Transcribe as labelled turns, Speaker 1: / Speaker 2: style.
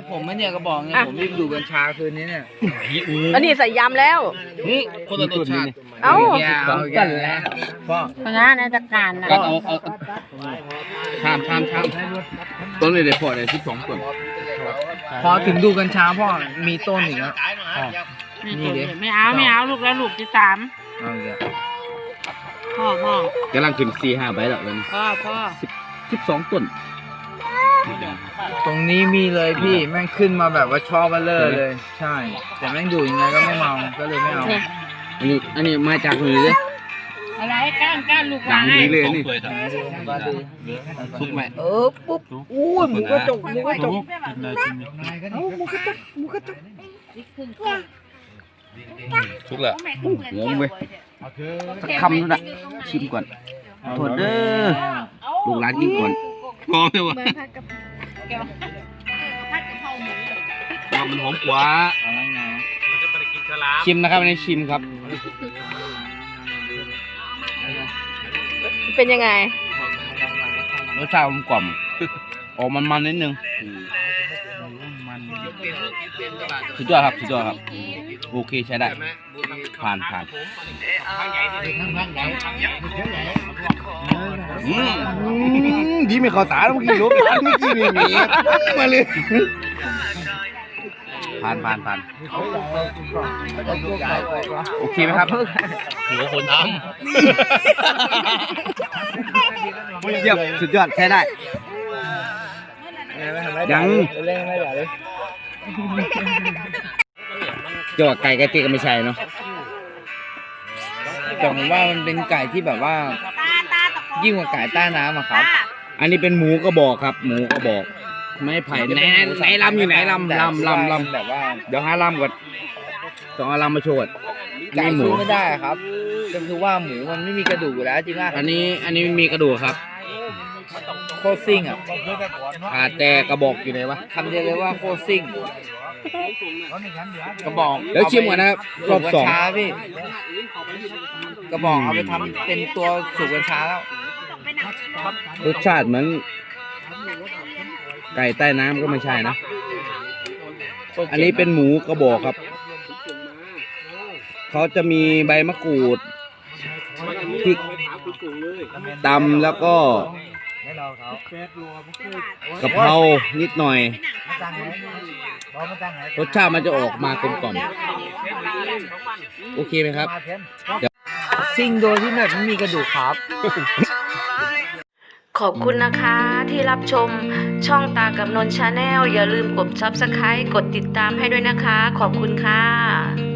Speaker 1: ผมไม่เนี่ยกระบอกเนี่ยผมรีบดูกัญชาคืนนี้เนี่ย
Speaker 2: อันนี้ใส่ยำแล้ว
Speaker 1: คนละรสชาติ
Speaker 2: เอ้า
Speaker 1: เอากันแล้วพ่อ
Speaker 3: เพราะงั้นในจัดการนะ
Speaker 1: ก็เอาชามต้นเลยเดี๋ยวพอเลย12ต้นพอถึงดูกัญชาพ่อมีต้นอีกแล้ว
Speaker 3: นี่ดิไม่เอาลูกแล้วลูกที่3
Speaker 1: เอาเดี๋ยว
Speaker 3: พ่อก
Speaker 4: ำลังขึ้น4-5ใบแล้วเลย
Speaker 3: พ่อ
Speaker 4: 12ต้น
Speaker 1: ตรงนี้มีเลยพี่แม่งขึ้นมาแบบว่าชอบมาเลย ใช่ แต่แม่งดูยังไงก็ไม่เมาก็เลยไม่เอา
Speaker 4: อันนี้มาจากมือเลย
Speaker 3: อะไรก้านลูก
Speaker 4: ดังนี้เลยนี่
Speaker 1: ทุกไหมปุ๊บอู้ยหมูกระจกทุกแล้ว
Speaker 4: งงเว้ยสักคำนึงนะชิมก่อนโทษเด้อลูกหลานกินก่อน
Speaker 1: พอไหมวะมันหอมกว่า
Speaker 4: ชิมนะครับอันนี้ชิมครับ
Speaker 2: เป็นยังไง
Speaker 4: รสชาติกลมออกมันนิดนึงสุดยอดครับโอเคใช้ได้ผ่านดีไม่เข้าตาแล้วเมื่อกี้รู้เมื่อกี้มีมาเลยผ่านโอเคไหมครับ
Speaker 1: หัวคนท
Speaker 4: เยี่ยมสุดยอดใช้ได้
Speaker 1: ำ
Speaker 4: ยัง
Speaker 1: เล่นไม่ได้เลย
Speaker 4: จะว่าไก่ตีก็ไม่ใช่เนาะ
Speaker 1: แต่ผมว่ามันเป็นไก่ที่แบบว่ายิ่งกว่าไก่ใต้น้ำอะครับ
Speaker 4: อันนี้เป็นหมูกระบอกครับ หมูกระบอก ไม่ไผ่ไหนลำอยู่ไหนลำ
Speaker 1: แบบว่า
Speaker 4: เดี๋ยวหาลำก่อนต้องเอาลำมาโชว์ก่อน
Speaker 1: ไก่
Speaker 4: นี่หมู
Speaker 1: สู้ไม่ได้ครับก็คือว่าหมูมันไม่มีกระดูกอยู่แล้วจริงป่ะ
Speaker 4: อันนี้มีกระดูกครับ
Speaker 1: โคตรซิ่งอ่ะ
Speaker 4: ขาดแต่กระบอกอยู่ไหนวะ
Speaker 1: คำเดียวเลยว่าโคตรซิ่งกระบอก
Speaker 4: เดี๋ยวชิมก่อนนะครับรอบสอง
Speaker 1: กัญชาพี่กระบอกเอาไปทำเป็นตัวสูบกัญชาแล้ว
Speaker 4: รสชาติเหมือนไก่ใต้น้ำก็ไม่ใช่นะ อันนี้เป็นหมูกระบอกครับ เขาจะมีใบมะกรูดพริกตำแล้วก็กะเพรานิดหน่อย รสชาติมันจะออกมากลมกล่อมโอเคไหมครับ
Speaker 1: ซิ่งโดยที่แบบไม่มีกระดูกครับ
Speaker 2: ขอบคุณนะคะที่รับชมช่องตากับนนท์ชาแนลอย่าลืมกด Subscribe กดติดตามให้ด้วยนะคะ ขอบคุณค่ะ